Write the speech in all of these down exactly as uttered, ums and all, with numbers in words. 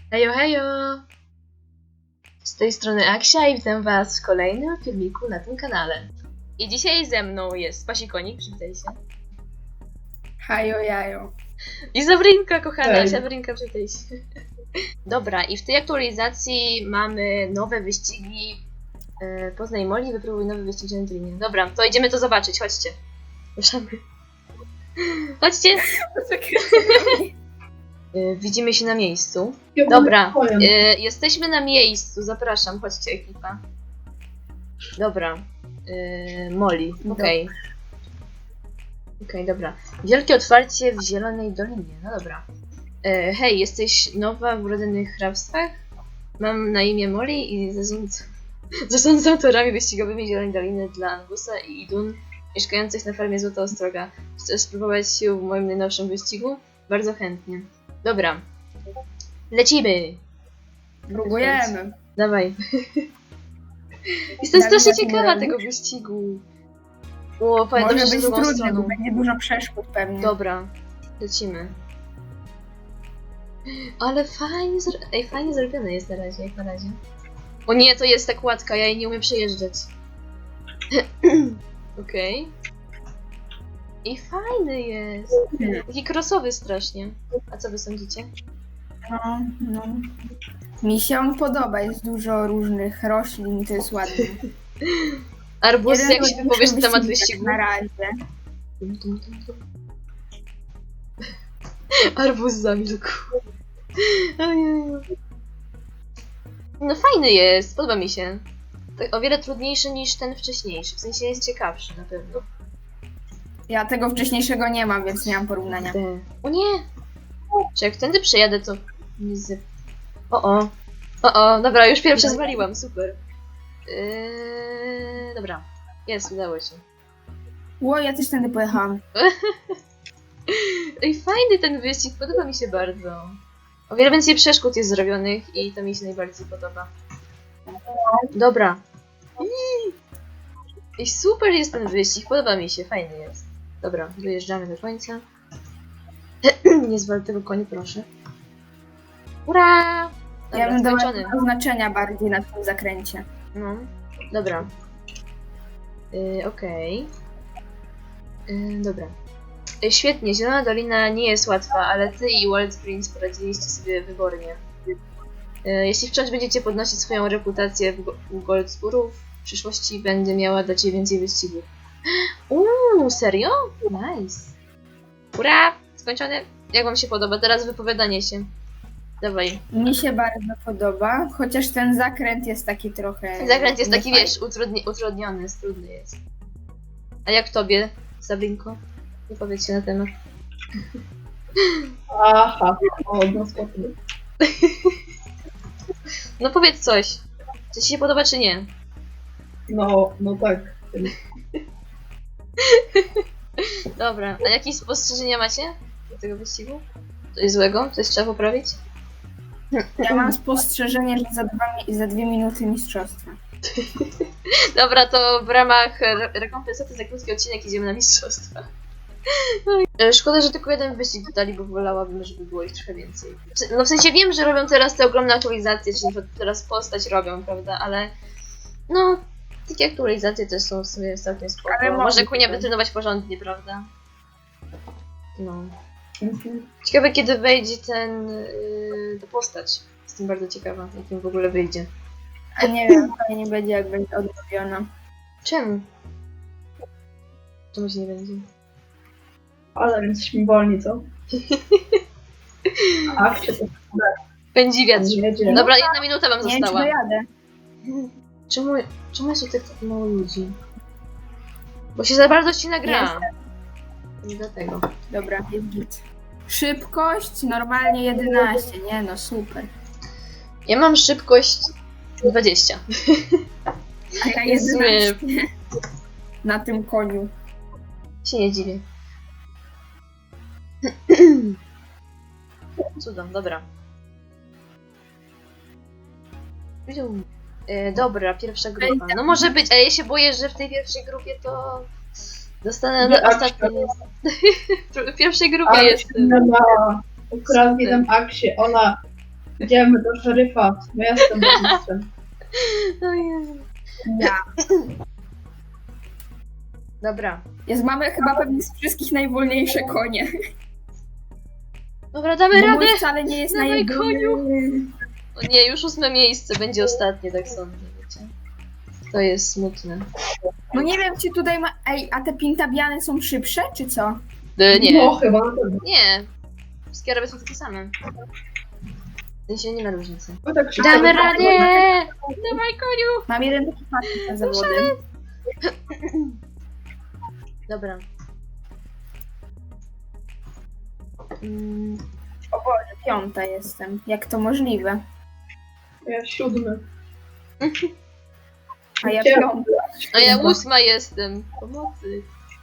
Hejo, hejo! Z tej strony Aksia i witam was w kolejnym filmiku na tym kanale. I dzisiaj ze mną jest Pasikonik, przywitaj się. Hajo jajo. I Zabrinka, kochana, Hej. Zabrinka, przywitaj się. Dobra, i w tej aktualizacji mamy nowe wyścigi. E, Poznaj Molly, wypróbuj nowy wyścig na Dreamie. Dobra, to idziemy to zobaczyć, chodźcie. Ruszamy. Chodźcie! E, Widzimy się na miejscu. Dobra, y, jesteśmy na miejscu, zapraszam, chodźcie ekipa. Dobra, y, Molly, okej. Okej, dobra. Wielkie otwarcie w Zielonej Dolinie, no dobra. Y, hej, jesteś nowa w urodzonych hrabstwach? Mam na imię Molly i zarządzam, zarządzam autorami wyścigowymi Zielonej Doliny dla Angusa i Idun, mieszkających na farmie Złota Ostroga. Chcesz spróbować sił w moim najnowszym wyścigu? Bardzo chętnie. Dobra. Lecimy! Próbujemy. Dawaj. Jestem Dawid, strasznie jaki ciekawa robisz? tego wyścigu. O, powiem Może dobrze, że być drugą trudny, bo stroną. będzie dużo przeszkód pewnie. Dobra, lecimy. Ale fajnie, zro... Ej, fajnie zrobione jest na razie, jak na razie. O nie, to jest tak łatka, ja jej nie umiem przejeżdżać. Okej. I fajny jest. Taki crossowy strasznie. A co wy sądzicie? No, no. Mi się on podoba, jest dużo różnych roślin i to jest ładne. Arbus, Jeden jak się wypowiesz na temat wyścig wyścigu? Na razie. Tum, tum, tum, tum. Arbuz zamilkł. Ojeju. No fajny jest, podoba mi się. Tak o wiele trudniejszy niż ten wcześniejszy, w sensie jest ciekawszy na pewno. Ja tego wcześniejszego nie mam, więc nie mam porównania. Te- O nie! Czy jak tędy przejadę, to nie z... O o! O o, dobra, już pierwsze zwaliłam, super. Yy... Dobra, jest, udało się. Ło, ja też tędy pojechałam. Ej, fajny ten wyścig, podoba mi się bardzo. O wiele więcej przeszkód jest zrobionych i to mi się najbardziej podoba. Dobra. Ej, super jest ten wyścig, podoba mi się, fajny jest. Dobra, dojeżdżamy do końca. Nie zwal tego konia, proszę. Ura! Dobra, Ja bym dała skończony. oznaczenia bardziej na tym zakręcie. No, dobra. Yy, Okej. Yy, dobra. Yy, świetnie, Zielona Dolina nie jest łatwa, ale ty i Wild Prince poradziliście sobie wybornie. Yy, jeśli wciąż będziecie podnosić swoją reputację w, go- u Goldspurów, w przyszłości będzie miała dla ciebie więcej wyścigów. Uuu, serio? Nice. Ura! Skończone. Jak wam się podoba? Teraz wypowiadanie się. Dawaj. Mi się bardzo podoba, chociaż ten zakręt jest taki trochę... Zakręt jest taki, niefajny. wiesz, utrudni utrudniony, jest, trudny jest. A jak tobie, Sabrinko? Wypowiedz się na temat. Aha, o, no spokojnie. No powiedz coś. Czy ci się podoba, czy nie? No, no tak. Dobra, a jakieś spostrzeżenia macie do tego wyścigu? Coś złego? Coś trzeba poprawić? Ja mam spostrzeżenie, że za, dwa, mi- za dwie minuty mistrzostwa. Dobra, to w ramach re rekompensaty za krótki odcinek idziemy na mistrzostwa. E, Szkoda, że tylko jeden wyścig dodali, bo wolałabym, żeby było ich trochę więcej. No w sensie wiem, że robią teraz te ogromne aktualizacje, czyli na przykład teraz postać robią, prawda, ale no, takie aktualizacje też są w sumie całkiem spoko. Ale Może mogę Kunia tak. wytrenować porządnie, prawda? No. Mhm. Ciekawe, kiedy wejdzie ten, yy, ta postać. Jestem bardzo ciekawa, jakim w ogóle wyjdzie. A nie wiem, fajnie będzie, jak będzie odnowiona. Czemu? Czemu się nie będzie? Ale więc jesteśmy wolni, co? Ach, czy to Pędzi wiatr. nie wiedzie. Dobra, jedna minuta wam Nie wiem, czy została. dojadę. Czemu, czemu jest tu tak mało ludzi? Bo się za bardzo ścina gra. Jestem. Nie dlatego. Dobra, jest git. Szybkość normalnie jedenaście, nie no super. Ja mam szybkość dwadzieścia. A ja Jest jedenaście. Na tym koniu. Się nie dziwię. Cudem, dobra. E, dobra, pierwsza grupa. No może być, ale ja się boję, że w tej pierwszej grupie to dostanę Nie, na ostatni. W pierwszej grupie Ale jestem. na akurat widzę Aksię, ona Idziemy do szeryfa. Ja jestem burmistrzem. O Jezu. Ja. Dobra. Jest, mamy chyba pewnie z wszystkich najwolniejsze konie. Dobra, damy Bo radę! mój wcale nie jest Dawaj, najwolniejszy. O nie, już ósme miejsce będzie ostatnie, tak sądzę, wiecie. To jest smutne. No nie wiem, czy tutaj ma... Ej, a te pintabiany są szybsze, czy co? E, nie, No chyba na pewno. nie. Wszystkie araby są takie same. W sensie nie ma różnicy. Bo tak szybko Damy wypadło. radę! Dawaj, koniu! Mam jeden taki pakiet na zawody. Dobra. Mm, O Boże, piąta jestem. Jak to możliwe? Ja siódmy. A ja Gdzie? piąta. a ja ósma jestem. Pomocy.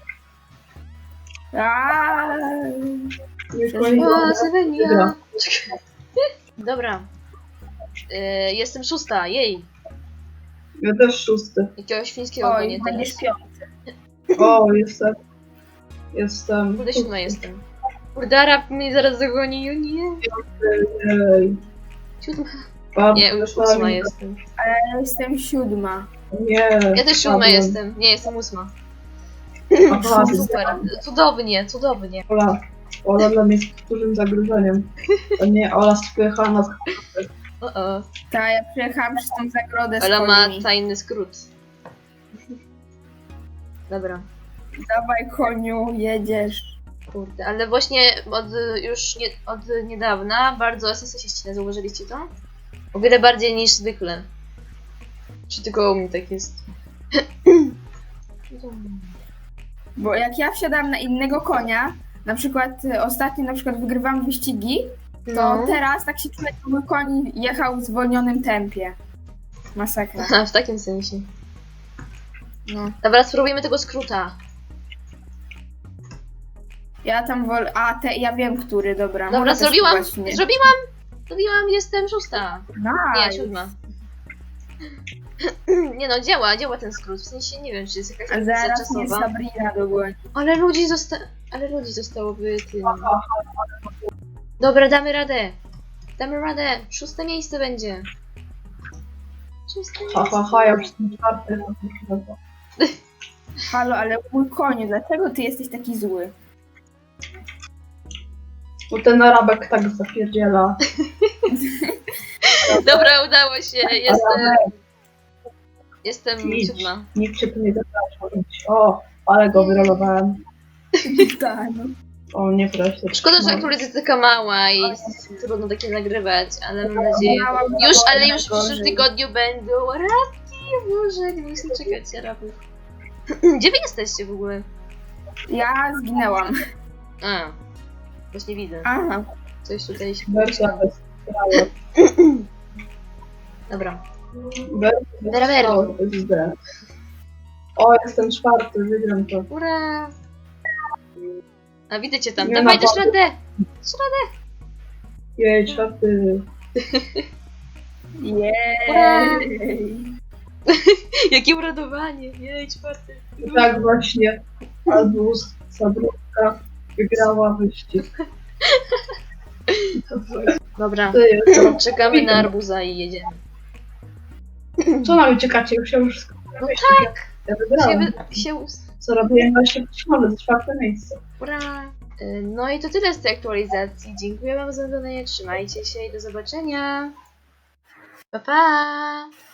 Aaaa. Już O, kolejny. O, Sylwia. Dobra. Dobra. E, jestem szósta, jej. Ja też szósty. Jakiegoś świńskiego Oj, nie będziesz teraz. piąty. O, jestem. Jestem. Kurde, siódma jestem. Kurde, Arab mnie zaraz zagoni, o nie. Ej, Siódma. bardzo Nie, już fajnie. ósma jestem. Ja jestem siódma. Nie. Ja też siódma padłem. jestem. Nie, jestem ósma. Aha, Super. Cudownie, cudownie. Ola. Ola dla mnie jest dużym zagrożeniem. To nie, Ola spycha nas. O, o. Ta, ja przyjechałam przez tą zagrodę z Ola ma końmi. tajny skrót. Dobra. Dawaj koniu, jedziesz. Kurde, ale właśnie od już nie, od niedawna bardzo S S się ścina, zauważyliście to? O wiele bardziej niż zwykle. Czy tylko u mnie tak jest? Bo jak ja wsiadam na innego konia, na przykład y, ostatnio na przykład wygrywam wyścigi, to No. teraz tak się czuję, jakby mój koń jechał w zwolnionym tempie. Masakra. Aha, w takim sensie. No. Dobra, spróbujmy tego skróta. Ja tam wolę... A, te, ja wiem, który, dobra. Dobra, Mogę też zrobiłam! właśnie. Zrobiłam! Zrobiłam, jestem szósta. Nie, Nice. siódma. Nie no, działa, działa ten skrót. W sensie nie wiem, czy jest jakaś A opcja zaraz mnie czasowa. Sabrina dogoni. Ale ludzi zosta... Ale ludzi zostałoby tym. Dobra, damy radę. Damy radę. Szóste miejsce będzie. Szóste Ha, miejsce. ha, ha, ja już jestem czwarty. Halo, ale mój koniu, dlaczego ty jesteś taki zły? Bo ten Arabek tak zapierdziela. Dobra, udało się. Jestem. Arabek, Jestem idź. siódma. Nikt się tu nie zapraszał. O, ale go wyrolowałem. Tak, no. O, nie proszę. Szkoda, że aktualizacja taka mała i trudno takie nagrywać, ale mam nadzieję. Już, ale już w przyszłym tygodniu będą arabki. Boże, nie muszę czekać arabów. Gdzie wy jesteście w ogóle? Ja zginęłam. A, właśnie widzę. Aha. Coś tutaj się... Wersja bez prawa. Dobra. Wersja bez Vera, vera. prawa, to jest źle. O, jestem czwarty, wygram to. Ura! A widzę cię tam. Nie Dawaj, ma dasz powodu. radę! Jej, czwarty. Jej. Jakie uradowanie! Jej, czwarty. I tak właśnie Albus Sabrówka wygrała wyścig. Dobra, Ty, to- czekamy na arbuza i jedziemy. Co nam uciekacie? Już się już skończyło. No tak! Ja Się, wygrałem. wy- się us... Co robiłem właśnie przyszłone z czwarte miejsce. Ura! Y, No i to tyle z tej aktualizacji. Dziękuję wam za oglądanie, trzymajcie się i do zobaczenia. Pa, pa!